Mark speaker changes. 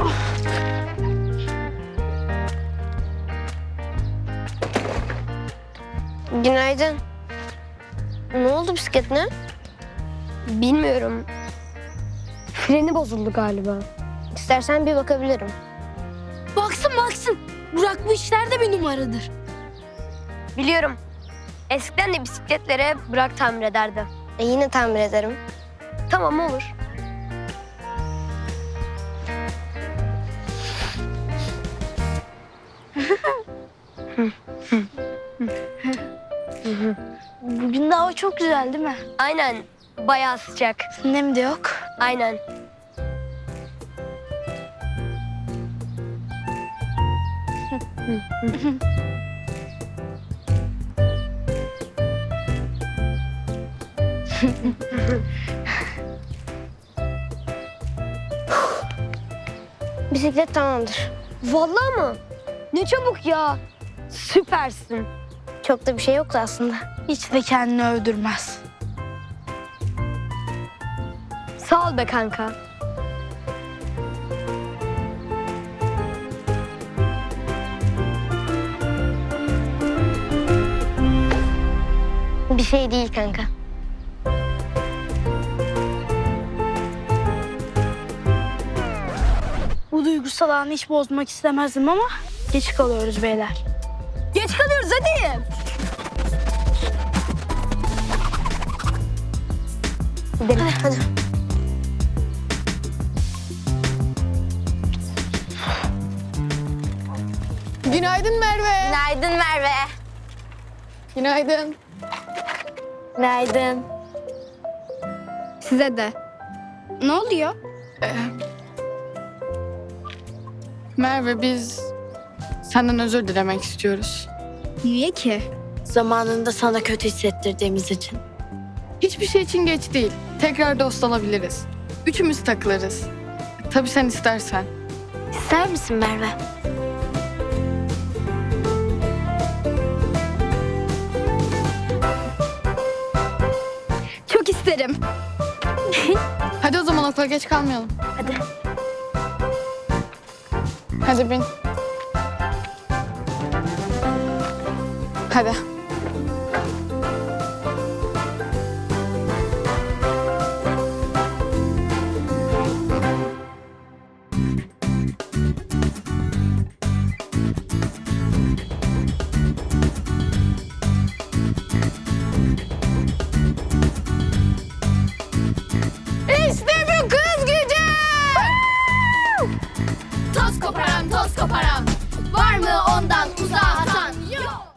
Speaker 1: Günaydın. Ne oldu bisikletine? Bilmiyorum. Freni bozuldu galiba. İstersen bir bakabilirim.
Speaker 2: Baksın. Burak bu işlerde bir numaradır.
Speaker 1: Biliyorum. Eskiden de bisikletlere Burak tamir ederdi. Yine tamir ederim. Tamam, olur.
Speaker 2: Bugün de hava çok güzel değil mi?
Speaker 1: Aynen. Bayağı sıcak.
Speaker 2: Nem de yok.
Speaker 1: Aynen. Bisiklet tamamdır. Vallahi mı? Ne çabuk ya. Süpersin. Çok da bir şey yoktu aslında.
Speaker 2: Hiç de kendini övdürmez.
Speaker 1: Sağ ol be kanka. Bir şey değil kanka.
Speaker 2: Bu duygusal anı hiç bozmak istemezdim ama geç kalıyoruz beyler.
Speaker 1: Geç kalıyoruz hadi. Gidelim hadi.
Speaker 3: Günaydın Merve.
Speaker 1: Günaydın Merve.
Speaker 3: Günaydın.
Speaker 1: Günaydın.
Speaker 3: Size de.
Speaker 2: Ne oluyor?
Speaker 3: Merve biz senden özür dilemek istiyoruz.
Speaker 2: Niye ki?
Speaker 4: Zamanında sana kötü hissettirdiğimiz için.
Speaker 3: Hiçbir şey için geç değil. Tekrar dost olabiliriz. Üçümüz takılırız. Tabii sen istersen.
Speaker 4: İster misin Merve?
Speaker 2: Çok isterim.
Speaker 3: Hadi o zaman okula geç kalmayalım.
Speaker 2: Hadi.
Speaker 3: Hadi bin. Hadi. İşte bu kız gücü!
Speaker 5: Toz koparan, toz koparan. Var mı